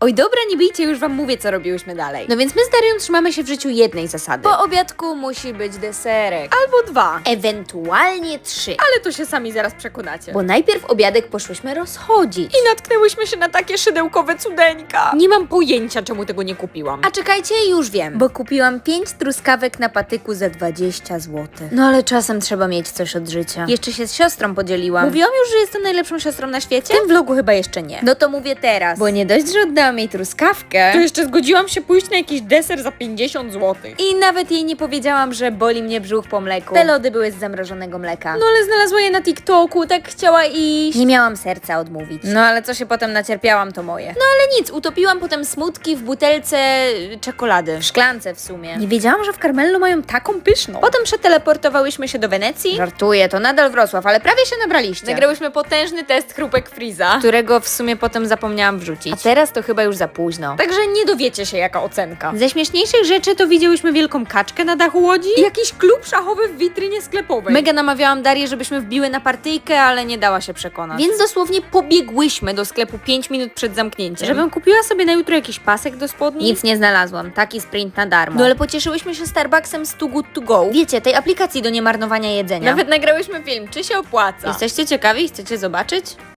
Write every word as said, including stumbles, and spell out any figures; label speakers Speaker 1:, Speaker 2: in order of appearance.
Speaker 1: Oj dobra, nie bijcie, już wam mówię, co robiłyśmy dalej. No więc my z Darią trzymamy się w życiu jednej zasady. Po obiadku musi być deserek. Albo dwa. Ewentualnie trzy. Ale to się sami zaraz przekonacie. Bo najpierw obiadek poszłyśmy rozchodzić. I natknęłyśmy się na takie szydełkowe cudeńka. Nie mam pojęcia, czemu tego nie kupiłam. A czekajcie, już wiem. Bo kupiłam pięć truskawek na patyku za dwadzieścia złotych. No ale czasem trzeba mieć coś od życia. Jeszcze się z siostrą podzieliłam. Mówiłam już, że jestem najlepszą siostrą na świecie? W tym vlogu chyba jeszcze nie. No to mówię teraz. Bo nie dość, że oddałam jej truskawkę, to jeszcze zgodziłam się pójść na jakiś deser za pięćdziesiąt złotych. I nawet jej nie powiedziałam, że boli mnie brzuch po mleku. Te lody były z zamrożonego mleka. No ale znalazła je na TikToku, tak chciała iść. Nie miałam serca odmówić. No ale co się potem nacierpiałam, to moje. No ale nic, utopiłam potem smutki w butelce y, czekolady. W szklance w sumie. Nie wiedziałam, że w Carmello mają taką pyszną. Potem przeteleportowałyśmy się do Wenecji. Żartuję, to nadal Wrocław, ale prawie się nabraliście. Nagrałyśmy potężny test chrupek Freeza, którego w sumie potem zapomniałam wrzucić. A teraz to chyba już za późno. Także nie dowiecie się, jaka ocenka. Ze śmieszniejszych rzeczy to widziałyśmy wielką kaczkę na dachu łodzi i jakiś klub szachowy w witrynie sklepowej. Mega namawiałam Darię, żebyśmy wbiły na partyjkę, ale nie dała się przekonać. Więc dosłownie pobiegłyśmy do sklepu pięć minut przed zamknięciem, żebym kupiła sobie na jutro jakiś pasek do spodni. Nic nie znalazłam, taki sprint na darmo. No ale pocieszyłyśmy się Starbucksem z Too Good To Go. Wiecie, tej aplikacji do niemarnowania jedzenia. Nawet nagrałyśmy film, czy się opłaca. Jesteście ciekawi? Chcecie zobaczyć?